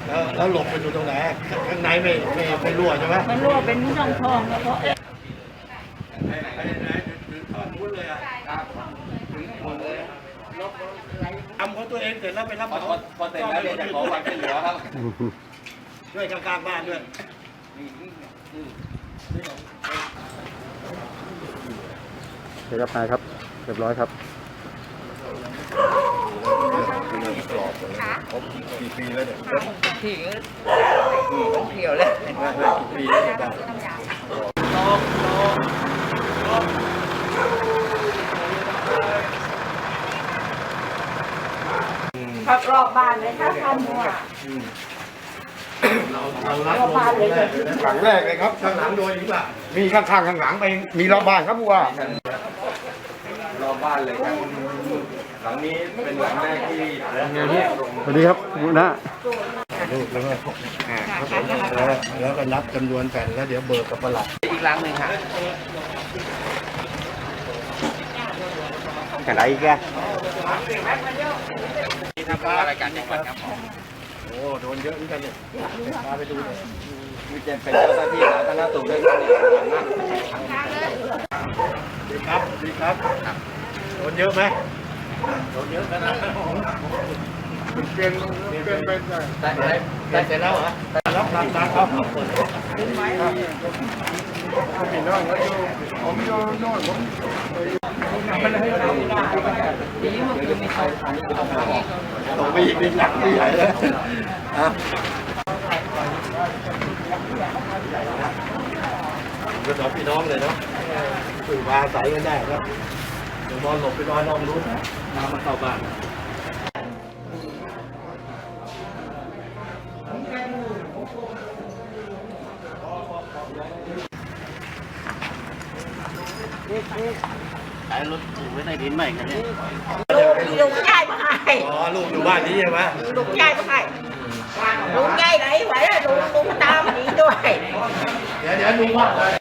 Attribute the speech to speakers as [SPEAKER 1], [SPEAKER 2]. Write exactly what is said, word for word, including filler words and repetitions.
[SPEAKER 1] แล้วแล้วหลบไปอยู่ตรงไหนข้างในไม่ไม่ไม่รั่วใช่ไหม
[SPEAKER 2] มันรั่วเป็นช่องทองแล้วก็เอ๊ะ
[SPEAKER 1] ทำของตัวเองเสร็จแล้วไปรับ
[SPEAKER 3] พอพอเสร็จแล้วเดี๋ยวจะขอความช่วยเหลือครับ
[SPEAKER 1] ด้วยข้างๆบ้านด้วย
[SPEAKER 4] เรียบร้อยครับเรียบร้อยครับ
[SPEAKER 1] กี่ปีแล้วเนี่ย
[SPEAKER 2] ที่เกี่ยวเลย
[SPEAKER 1] กี่ปีแล้วเนี่ยลองลองลอง
[SPEAKER 2] พักรอบบ้านเลยถ้าทำหัว
[SPEAKER 1] เราเรารับลงแรกเลยนะ
[SPEAKER 4] หลังแรกเลยครับ
[SPEAKER 1] ข้างหลังโดนอีกป่ะ
[SPEAKER 4] มีข้างๆข้างหลังไปมีรอบบ้านครับผู้ว่า
[SPEAKER 3] รอบบ้านเลยครับหลังนี้เป็นหลังแรกที่
[SPEAKER 4] สวัสดีครับคุณน้า
[SPEAKER 1] ลูกแล้วก็แล้วแล้วก็นับจำนวนแผ่นแล้วเดี๋ยวเบิกกับประหลัด
[SPEAKER 3] อีกหลังหนึ่งค่ะ
[SPEAKER 4] แค่ไหนแก
[SPEAKER 3] ที่ทำรายการจังหวัดครับ
[SPEAKER 1] โอ้โดนเยอะเหมือนกันเนี่ยพาไปดูเลย
[SPEAKER 3] มีเจนเป็นเจ้าหน้าที่สาธารณสุขด้วยกันเนี่ย
[SPEAKER 1] ดีครับดีครับโดนเยอะไหมโดนเยอะขนาดนั้น
[SPEAKER 4] เปลี่ยนเปลี่ยนเป็น
[SPEAKER 3] ได้ได้
[SPEAKER 1] ได้เสร็จแล้วเหรอรับรับรับครับ
[SPEAKER 4] พี่น้องเขาอยู่ผมอยู่โน่นผม
[SPEAKER 1] ต่อไปอีกนิดหนักที่ใหญ่เลยอ่ะก็สองพี่น้องเลยเนาะสื่อมาใส่กันได้ครับเดี๋ยวนอนหลบไปนอนนอนรู้น้ำมันเข้าบ้านไอ้รถถูกไว้ในดินใหม่กันเนี่ย
[SPEAKER 2] ลุงยายมาให้
[SPEAKER 1] อ๋อลูกอยู่บ้านนี้ใช่ไหม
[SPEAKER 2] ลุงยายมาให้ลุงยายไหนไหวลุงลุงตามหนีด้วย
[SPEAKER 1] เดี๋ยวเดี๋ยวดูว่า